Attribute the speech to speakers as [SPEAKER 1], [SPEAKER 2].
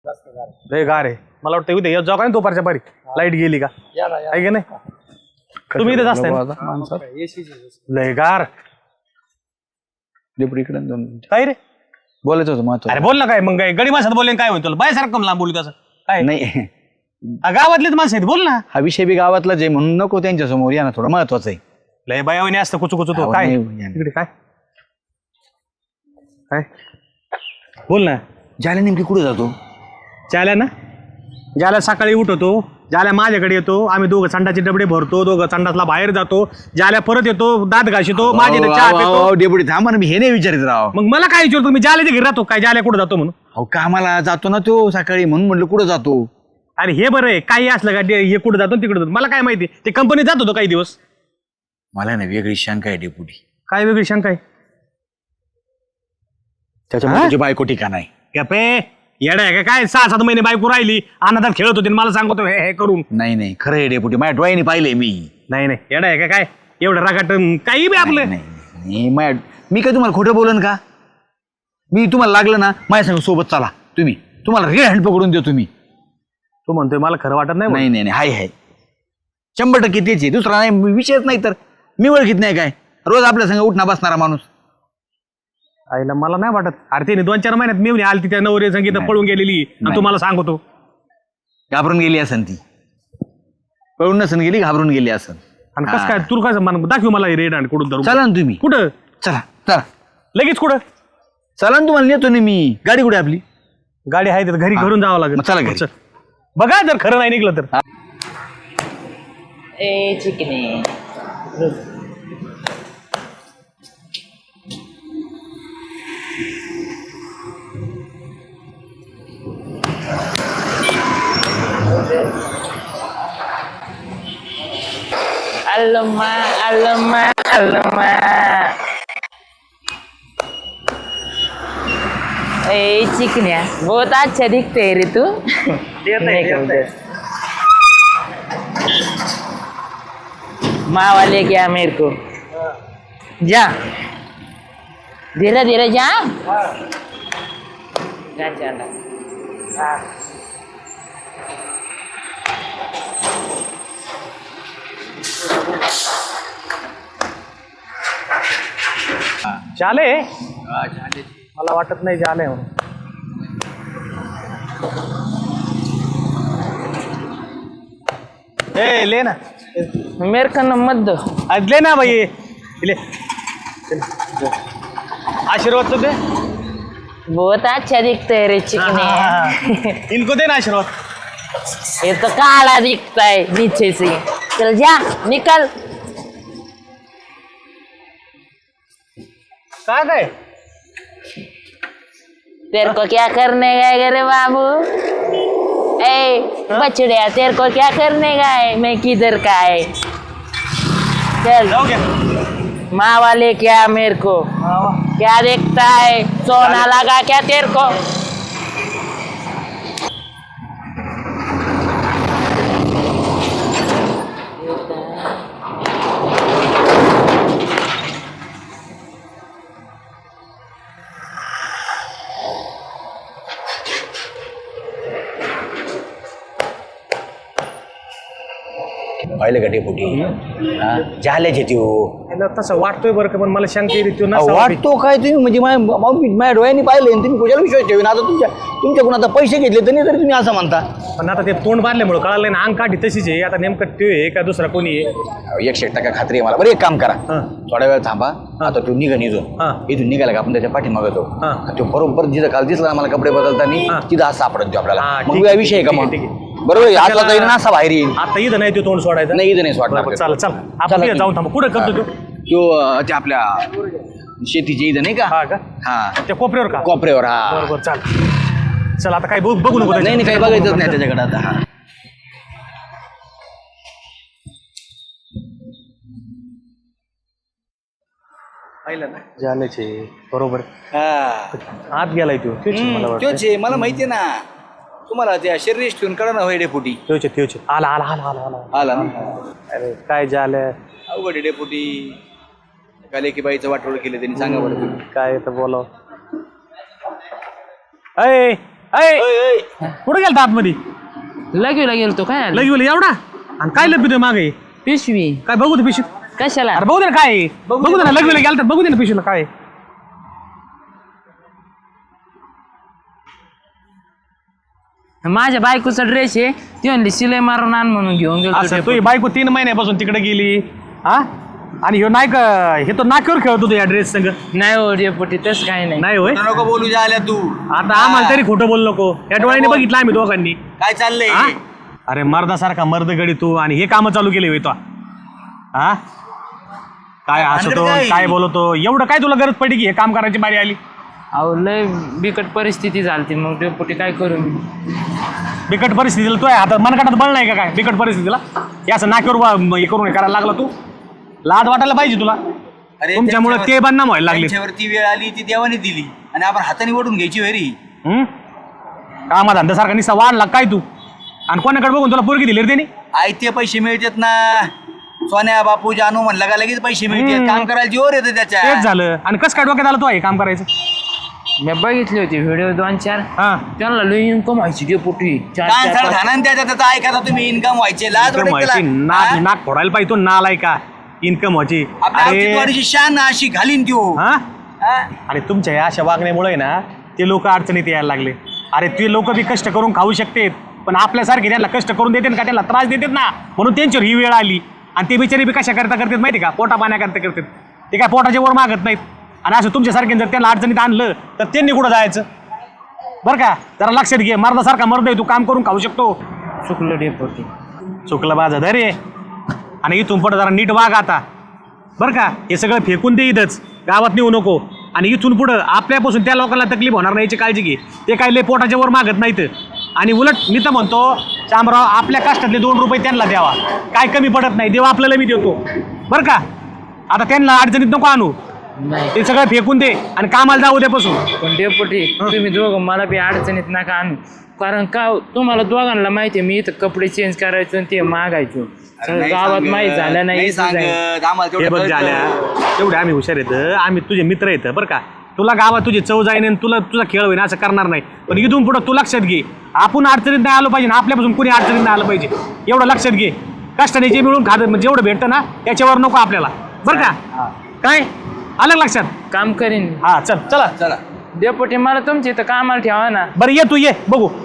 [SPEAKER 1] लय गार आहे. मला वाटतं उद्या येत जाऊ का दुपारच्या पारी. लाईट गेली का आहे की नाही. तुम्ही इथेच असताय. लय गार. काय रे
[SPEAKER 2] बोलायचं होतं महत्व.
[SPEAKER 1] अरे बोल ना. काय मग काय गडी माणसात बोलले काय होईल तुला बायसारखं लांब बोलू तसं काय
[SPEAKER 2] नाही
[SPEAKER 1] गावातलेच माणसं आहेत. बोल ना.
[SPEAKER 2] हा विषय बी गावातलाच आहे म्हणून नको त्यांच्या समोर या ना. थोडं महत्वाचं आहे.
[SPEAKER 1] लय बायावणी असतं कुचू कुचू तो काय इकडे काय काय बोल ना.
[SPEAKER 2] ज्याला नेमकी कुठे जातो.
[SPEAKER 1] ज्याला ना ज्याला सकाळी उठवतो. ज्याला माझ्याकडे येतो. आम्ही दोघं संडाचे डबडे भरतो. दोघं संडासला बाहेर जातो. ज्याला परत येतो दात घाशितो. माझे चहा पितो.
[SPEAKER 2] डेपुटी थांबा ना. मी हे नाही विचारित राव.
[SPEAKER 1] मग मला काय विचारतो मी ज्याला घरी राहतो काय ज्याला कुठं जातो म्हणून.
[SPEAKER 2] अहो कामाला जातो ना तो सकाळी म्हणून म्हटलं कुठं जातो.
[SPEAKER 1] अरे हे बरं आहे काही असलं का हे कुठं जातो तिकडे जातो मला काय माहिती. ते कंपनीत जात होतो काही दिवस.
[SPEAKER 2] मला ना वेगळी शंका आहे डेपुटी.
[SPEAKER 1] काय वेगळी शंका आहे.
[SPEAKER 2] त्याच्यामुळे तुझी बायको ठिकाण आहे.
[SPEAKER 1] गप्पे येडा आहे का काय. 6-7 महिने बायको राहिली अनाथात खेळत होती मला सांगतो हे करून.
[SPEAKER 2] नाही नाही खरं आहे डेपुटी. माझ्या डोळ्याने पाहिलंय मी.
[SPEAKER 1] नाही नाही येडा आहे का काय एवढं रागाट काही बी आपलं.
[SPEAKER 2] नाही मी काय तुम्हाला खोटं बोलन का. मी तुम्हाला लागलं ना माझ्या संग सोबत चला तुम्ही. तुम्हाला रेड हँड पकडून देतो मी.
[SPEAKER 1] तू म्हणतोय मला खरं वाटत नाही.
[SPEAKER 2] नाही नाही हाय हाय 100% तेच आहे. दुसरा नाही विषयच नाही. तर मी ओळखीत नाही काय. रोज आपल्या संग उठणा बसणारा माणूस.
[SPEAKER 1] आईला मला नाही वाटत. अरे तिने 2-4 महिन्यात मी आली त्या नवरे संगीत पळून गेलेली आणि तुम्हाला सांगतो
[SPEAKER 2] घाबरून गेली असन ती. पळून नसन गेली घाबरून गेली असन.
[SPEAKER 1] आणि कसं काय तू काय दाखव मला रेड हँड कुठून धरून.
[SPEAKER 2] चला ना तुम्ही.
[SPEAKER 1] कुठं
[SPEAKER 2] चला चला
[SPEAKER 1] लगेच कुठं.
[SPEAKER 2] चला ना तुम्हाला नेतो ना मी. गाडी कुठे आपली.
[SPEAKER 1] गाडी आहे तर घरी घरून जावं लागेल.
[SPEAKER 2] चला घरी.
[SPEAKER 1] बघा जर खरं नाही निघलं तर.
[SPEAKER 3] ए चिकने अल्लमा अल्लमा अल्लमा. ए चिकनिया बहुत अच्छा दिखते है रे तू. माँ ले गया मेरे को. जा धीरे धीरे जा. चला
[SPEAKER 1] झाले मला वाटत नाही झाले म्हणून. ए ले ना
[SPEAKER 3] मेरे को न मत दो.
[SPEAKER 1] आज ले ना भाई ले. आशीर्वाद तो दे.
[SPEAKER 3] बहुत अच्छा दिखते है रे चिकने.
[SPEAKER 1] इनको दे ना आशीर्वाद.
[SPEAKER 3] ये तो काला दिखता है नीचे से. चल जा निकल.
[SPEAKER 1] काय काय
[SPEAKER 3] तेरे को क्या करने गए रे बाबू. ए बछड़िया तेरे को क्या करने गए. मैं किधर का है. चल
[SPEAKER 1] जाओ क्या.
[SPEAKER 3] माँ वाले क्या मेरे को क्या देखता है. सोना लगा क्या तेरे को.
[SPEAKER 2] पाहिलं का डेपुटी. झाल्याचे ती
[SPEAKER 1] तसं वाटतोय बरं का पण मला शंका येते.
[SPEAKER 2] वाटतो काय तुम्ही म्हणजे माझ्या डोळ्यांनी पाहिलं तुम्ही कुशाला विश्वास ठेवून. आता तुमच्याकडून आता पैसे घेतले तरी तुम्ही असं म्हणता.
[SPEAKER 1] पण आता ते तोंड बांधल्यामुळे कळालं ना अंग काठी तशीच आहे. आता नेमकं ते आहे का दुसरा कोणी आहे.
[SPEAKER 2] 100% खात्री आहे मला. बरं एक काम करा थोड्या वेळ थांबा. आता तू निघा इथून. इथून निघाला का आपण त्याच्या पाठीमागे जाऊ. तो बरोबर जिथं काल दिसला मला कपडे बदलताना तिथं आज सापडत देऊ आपल्याला. मग विषय आहे का मग. बरोबर आता जाईल ना असा बाहेर येईल.
[SPEAKER 1] आता इथं नाही तो तोंड सोडायचं.
[SPEAKER 2] नाही इथं नाही सोडणार.
[SPEAKER 1] चल चल आपण जाऊन थांबू. कुठं करतो
[SPEAKER 2] तो ते आपल्या शेतीच्या इथं नाही का.
[SPEAKER 1] हा का.
[SPEAKER 2] हा
[SPEAKER 1] त्या कोपऱ्यावर का.
[SPEAKER 2] कोपऱ्यावर. हा
[SPEAKER 1] बरोबर चाल. चल आता काही बघू नको.
[SPEAKER 2] नाही काही बघायचंच नाही त्याच्याकडे आता. हा
[SPEAKER 1] पाहिलं ना झाल्याचे बरोबर. आत गेलाय तो.
[SPEAKER 2] तोच आहे मला माहितीये ना. तुम्हाला त्या शरीर ठेवून कळा ना होय डेपुटी.
[SPEAKER 1] त्योचे आला आला आला आला आला
[SPEAKER 2] आला ना.
[SPEAKER 1] अरे काय झालं.
[SPEAKER 2] अवघड डेपुटी. काले की बाईचं वाटोळ केलं त्यांनी. सांगा बरं तुम्ही
[SPEAKER 1] काय तर बोलाव. अय कुठे गेलता आतमध्ये
[SPEAKER 3] लगेला गेलतो काय आलं?
[SPEAKER 1] लगी एवढा आणि काय लपितोय मागे
[SPEAKER 3] पिशवी
[SPEAKER 1] काय बघू दे पिशवीत
[SPEAKER 3] कशाला?
[SPEAKER 1] अरे बघू दे ना काय आहे. बघू दे ना लग्न गेलं तर बघू दे ना पिशवीला काय आहे.
[SPEAKER 3] माझ्या बायकोचा ड्रेस आहे ती म्हणली सिलाई मारून आण म्हणून घेऊन गेलो
[SPEAKER 1] असं तुझी बायको 3 महिन्यापासून तिकडे गेली हा आणि ह्यो नाही का हे तो नाक्यावर खेळत होतो या ड्रेस संग
[SPEAKER 3] नाही हो डेपुटी तसं काही नाही.
[SPEAKER 1] नाही होय
[SPEAKER 2] नको बोलू जाल्या तू
[SPEAKER 1] आता आम्हाला तरी खोटं बोलू नको या डोळ्याने बघितलं आम्ही दोघांनी
[SPEAKER 2] काय चाललंय
[SPEAKER 1] हा? अरे मर्दासारखा मर्द गडी तू आणि हे काम चालू केले होय तो हा काय हसतो काय बोलतो एवढं काय तुला गरज पडली की हे काम करायची बारी आली
[SPEAKER 3] अहो लय बिकट परिस्थिती झाली मग डेपुटी काय करू मी?
[SPEAKER 1] बिकट परिस्थितीला तू आहे आता मनगटात बळ नाही का काय बिकट परिस्थितीला हे असं नाक्यावर हे करून हे करायला लागला तू लाज वाटायला पाहिजे तुला
[SPEAKER 2] अरे
[SPEAKER 1] तुमच्यामुळे ते बदनाम व्हायला लागले
[SPEAKER 2] त्यांच्यावरती वेळ आली ती देवाने दिली आणि आपण हाताने ओढून घ्यायची वेरी
[SPEAKER 1] कामा धंद्यासारखा निसा वाढला काय तू आणि कोणाकडे बघून तुला पोरगी दिली रे त्याने
[SPEAKER 2] आयते पैसे मिळतात ना सोन्या बापू जानू म्हणला का लगेच पैसे मिळतात काम करायला जोर येतं त्याच्या
[SPEAKER 1] तेच झालं आणि कसं काय डोक्यात आलं तू हे काम करायचं
[SPEAKER 3] मी बघितली होती व्हिडिओ 2-4
[SPEAKER 1] हा
[SPEAKER 3] त्यांना लई इन्कम व्हायची डेपुटी
[SPEAKER 2] काय सर घाणा त्याचा ऐका तुम्ही इन्कम व्हायचे लाज वाटते
[SPEAKER 1] व्हायची
[SPEAKER 2] त्याला.
[SPEAKER 1] नाक
[SPEAKER 2] हा?
[SPEAKER 1] नाक फोडायला पाहिजे तो नालाय का इन्कम व्हायची
[SPEAKER 2] आपल्या
[SPEAKER 1] अरे
[SPEAKER 2] औचित्यवाडीची शान अशी घालीन त्यो
[SPEAKER 1] हा
[SPEAKER 2] हा?
[SPEAKER 1] अरे तुमच्या या अशा वागण्यामुळे ना ते लोक अडचणीत यायला लागले अरे ते लोक बी कष्ट करून खाऊ शकतात पण आपल्यासारखे त्यांना कष्ट करून देतात का त्यांना त्रास देतात ना म्हणून त्यांच्यावर ही वेळ आली आणि ते बिचारी बी कशा करता करतात माहिती का पोटा पाण्याकरता करतात ते काय पोटाच्या वर मागत नाहीत आणि असं तुमच्यासारखे जर त्यांना अडचणीत आणलं तर त्यांनी कुठं जायचं बरं का जरा लक्षात घे मर्दासारखा मर्द आहे तू काम करून खाऊ शकतो
[SPEAKER 3] चुकलं डेपुटी
[SPEAKER 1] चुकलं माझं धैर्य आणि इथून पुढं जरा नीट वाग आता बरं का हे सगळं फेकून दे इथंच गावात नेऊ नको आणि इथून पुढं आपल्यापासून त्या लोकांना तकलीफ होणार नाही याची काळजी घे ते काय लय पोटाच्या वर मागत नाहीत आणि उलट मी तर म्हणतो शामराव आपल्या कष्टातले 2 रुपये त्यांना द्यावा काय कमी पडत नाही देवा आपल्याला मी देतो बरं का आता त्यांना अडचणीत नको आणू
[SPEAKER 3] नाही
[SPEAKER 1] ते सगळं फेकून दे आणि कामाला जाऊ द्यापासून
[SPEAKER 3] पण डेपुटी तुम्ही दोघं मला बी अडचणीत नका आणू कारण का तुम्हाला दोघांना माहिती आहे मी इथं कपडे चेंज करायचो आणि ते मागायचो सगळं गावात माहीत झालं नाही
[SPEAKER 2] सांगत आम्हाला
[SPEAKER 1] हे बघ
[SPEAKER 2] तेवढं
[SPEAKER 1] झाल्या
[SPEAKER 2] कळतं.
[SPEAKER 1] तेवढे आम्ही हुशार येतं आम्ही तुझे मित्र येतं बरं का तुला गावात तुझी चव जाईन आणि तुला तुझा खेळ होईन असं करणार नाही पण इथून पुढं तू लक्षात घे आपण अडचणीत नाही आलो पाहिजे ना आपल्यापासून कुणी अडचणीत नाही आलं पाहिजे एवढं लक्षात घे कष्टाने जे मिळून खात म्हणजे जेवढं भेटतं ना त्याच्यावर नको आपल्याला बरं का काय आलं लक्षात
[SPEAKER 3] काम करीन
[SPEAKER 1] हा चल चला
[SPEAKER 2] चला
[SPEAKER 3] डेपुटी मला तुमच्या इथं कामाला ठेवा ना
[SPEAKER 1] बरं ये तू ये बघू